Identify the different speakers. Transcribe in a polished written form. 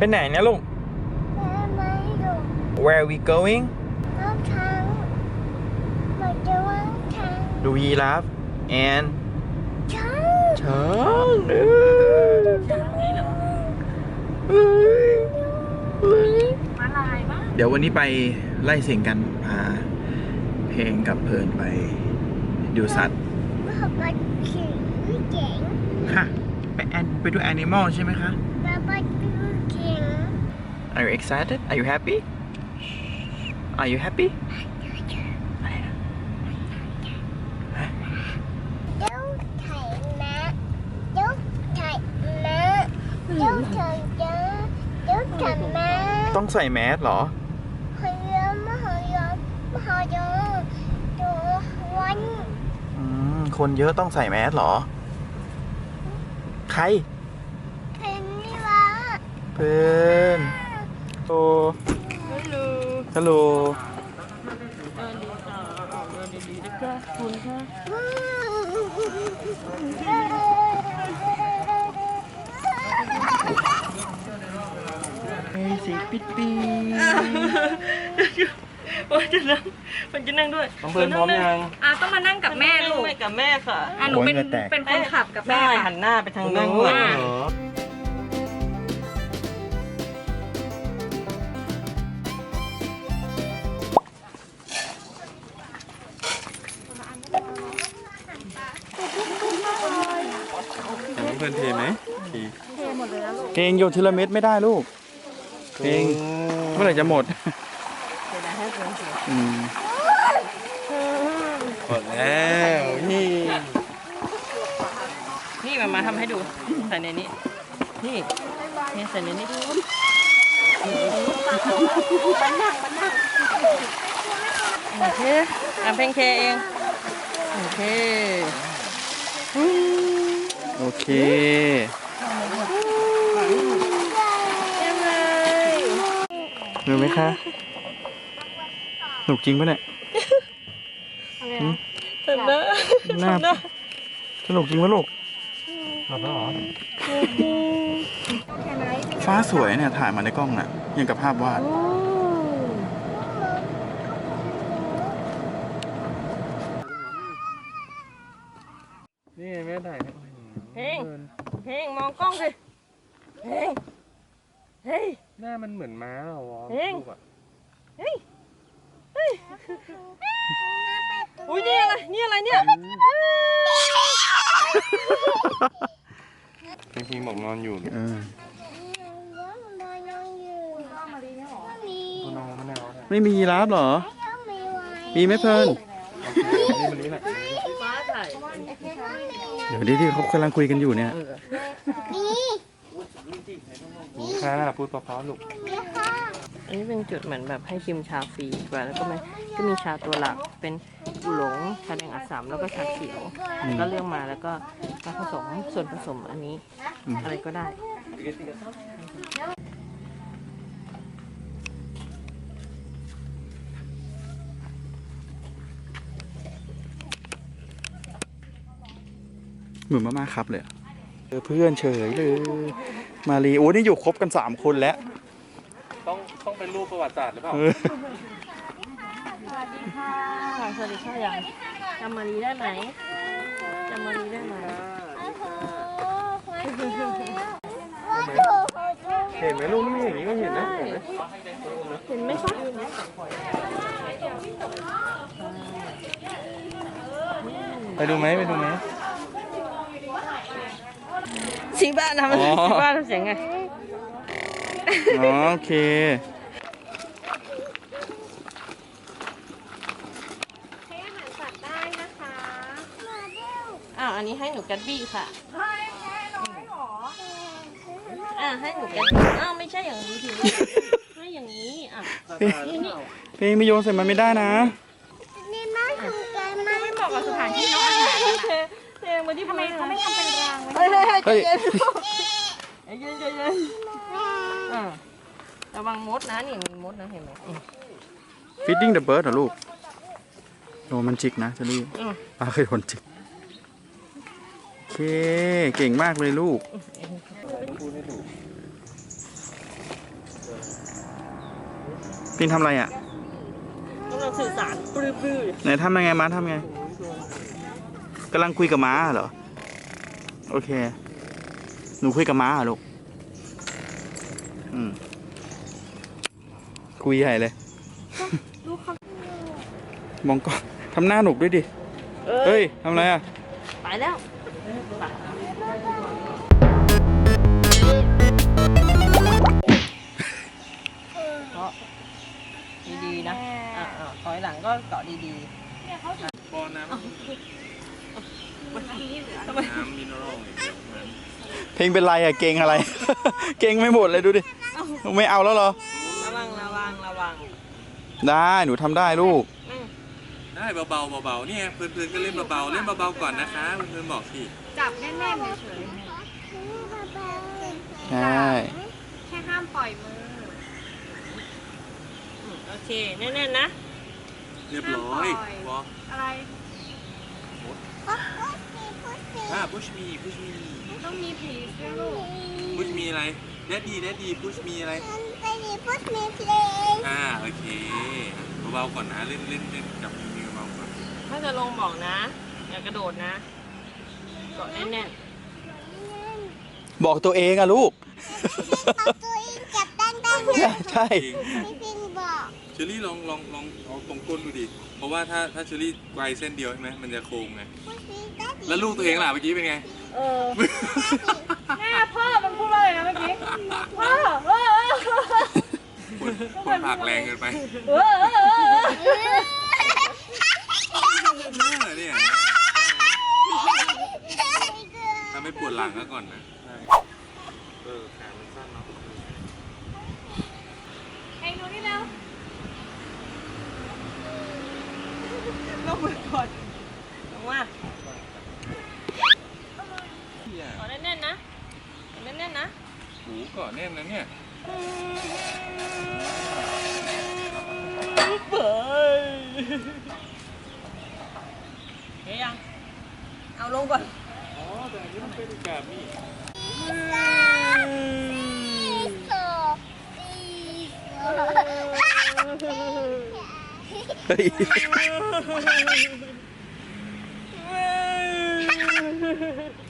Speaker 1: ไหนเนี่ยลูก Where are we going ดูยีราฟ and ช้าง
Speaker 2: มาลายบ้าง
Speaker 1: เดี๋ยววันนี้ไปไล่เสียงกันพาเพลงกับเพลินไปดูสัตว์ค่ะไปดู animal ใช่ไหมคะ Are you excited? Are you happy? Are you happy? ต้องใส่แมสเหรอคนเยอะต้องใส่แมสเหรอใครเพื่อนโอ้ฮัลโหลดีๆนะคะคุณค่ะสีปิดปี
Speaker 2: มันจะนั่งด้วย
Speaker 1: น้องเพื่อนพร้อมยัง
Speaker 2: ต้องมานั่งกับแม่ลูก
Speaker 3: กับแม่ค่ะ
Speaker 2: หนูเป็นคนขับกับแม่
Speaker 3: หันหน้าไปทางนู้น
Speaker 1: เพื่อนเทไหมเทหมดเลยนะลูกเพลงโยนทีละเม็ดไม่ได้ลูกเพลงเมื่อไหร่จะหมดหมดแล้ว
Speaker 3: นี่มาทำให้ดูใส่ในนี้นี่ใส่ในนี้โอเคเพลงเคเองโอเค
Speaker 1: โอเคเหนื่อยไหมคะหนุกจริงปะเนี่ย
Speaker 3: เต็มนะ
Speaker 1: สนุกจริงปะลูกหลับแล้วเหรอฟ้าสวยเนี่ยถ่ายมาในกล้องน่ะยังกับภาพวาดนี่แม่ถ่าย
Speaker 3: เพลงมองกล้องสิเฮ้ย
Speaker 1: หน้ามันเหมือนม้าเหรอวะ
Speaker 3: เฮ้ยอุ้ยนี่อะไรเนี่ย
Speaker 1: พิงบอกนอนอยู่ไม่มียีราฟเหรอมีไหมเพิ่นเดี๋ยวที่เขากำลังคุยกันอยู่เนี่ยนี่ค่ะพูดเพราะๆลูก
Speaker 3: อันนี้เป็นจุดเหมือนแบบให้ชิมชาฟรีแล้วก็มีชาตัวหลักเป็นอูหลงชาแดงอัสสัมแล้วก็ชาเขียวก็เลือกมาแล้วก็มาผสมส่วนผสมอันนี้อะไรก็ได้
Speaker 1: เหมือนมาครับเลยเพื่อนเฉยเลยมาลีโอ้นี่อยู่ครบกัน3 คนแล้วต้องเป็นรูปประวัติศาสตร์หรือเปล่า
Speaker 3: สวัสดีค่ะยังจำมาลีได้ไหม
Speaker 1: เห็นไหมลูกนี่อย่างนี้ก็เห็นนะ
Speaker 3: เห็นไหมคะ
Speaker 1: ไปดูไหม
Speaker 3: ชี้บ้านทำเสียงไง
Speaker 1: โอเค
Speaker 2: ให้อาหารสัตว์ได้นะคะ
Speaker 3: อันนี้ให้หนูกัดบี้ค่ะ
Speaker 2: ให้น้อยหรอ
Speaker 3: ให้หนูกัดบี้ไม่ใช่อย่างนี้ทีให้อย่างนี้
Speaker 1: เพลงไม่โยนใส่มันไม่ได้นะ
Speaker 2: นี่น่าสนใจมากไม่เหมาะกับสถานที่น้องอาหาร
Speaker 3: เพลงมาที่
Speaker 2: ทำไมเขาไม่ทำเป็นราง
Speaker 3: ไว้เฮ้ยเย็นระวังมดนะนี่มีมดนะเห็นไหม
Speaker 1: Feeding the bird เหรอลูกโอ้มันจิกนะเชอรี่ป้าเคยโดนจิกโอเคเก่งมากเลยลูกพินทำอะไรอ่ะ
Speaker 3: กำลังสื่อสารปลื้ม
Speaker 1: ไหนทำยังไงม้าทำไงกำลังคุยกับม้าเหรอ โอเค หนูคุยกับม้าเหรอลูกคุยใหญ่เลย มองกล้องทำหน้าหนุกด้วยดิ เฮ้ยทำอะไรอ่ะ
Speaker 3: ไปแล้วเกาะดีๆนะถอยหลังก็เกาะดี
Speaker 1: บอลน้ำ
Speaker 3: ๆทำไม
Speaker 1: น้ำมินเนอรัลเพลงเป็นไรอ่ะ เก่งอะไร เก่งไม่หมดเลยดูดิ ไม่เอาแล้วเหรอ
Speaker 3: ระวัง
Speaker 1: ได้ หนูทำได้ลูก
Speaker 4: ได้เบาๆเบาๆเนี่ยเพื่อนๆก็เล่นเบาๆเล่นเบาๆก่อนนะคะเพื่อนๆบอกสิ
Speaker 2: จับแน่นๆเฉย
Speaker 1: ใช่
Speaker 2: ๆแค่ห้ามปล่อยมือ
Speaker 3: โอเคแน่นๆนะ
Speaker 4: เรียบร้อยบอ
Speaker 2: อะไร
Speaker 4: push me
Speaker 2: ต้องมีผีด้วยลูก
Speaker 4: push me อะไรแดดดี้ push me อะไรโอเคเบาๆก่อนนะเล่นจับมือเบาๆก่อน
Speaker 3: ถ้าจะลงบอกนะ อย่ากระโดดนะเกาะแน่น
Speaker 1: บอกตัวเองอะลูก ใช่
Speaker 4: เชอรี่ลองเอาตรงก้นดูดิเพราะว่าถ้าเชอรี่ไกวเส้นเดียวใช่ไหมมันจะโค้งไงแล้วลูกตัวเองล่ะเมื่อกี้เป็นไง
Speaker 2: แม่พ่อมันพูดว่าอะไรนะเมื่อกี้ พ่อ
Speaker 4: คนผลักแรงเกินไปเนี่ยถ้าไม่ปวดหลังก็ก่อนนะขามันสั้นเนาะ
Speaker 2: เองดูนี่แล้ว
Speaker 3: ๆลงมือก่อนลงมาเกาะแน่นๆนะแน่นๆนะ
Speaker 4: หูเกาะแน่นนะเนี่ย
Speaker 3: เฮ้ยยังเอาลงก่อน
Speaker 4: อ๋อแต่อันนี้มันเป็นแบบนี้
Speaker 1: เฮ้ย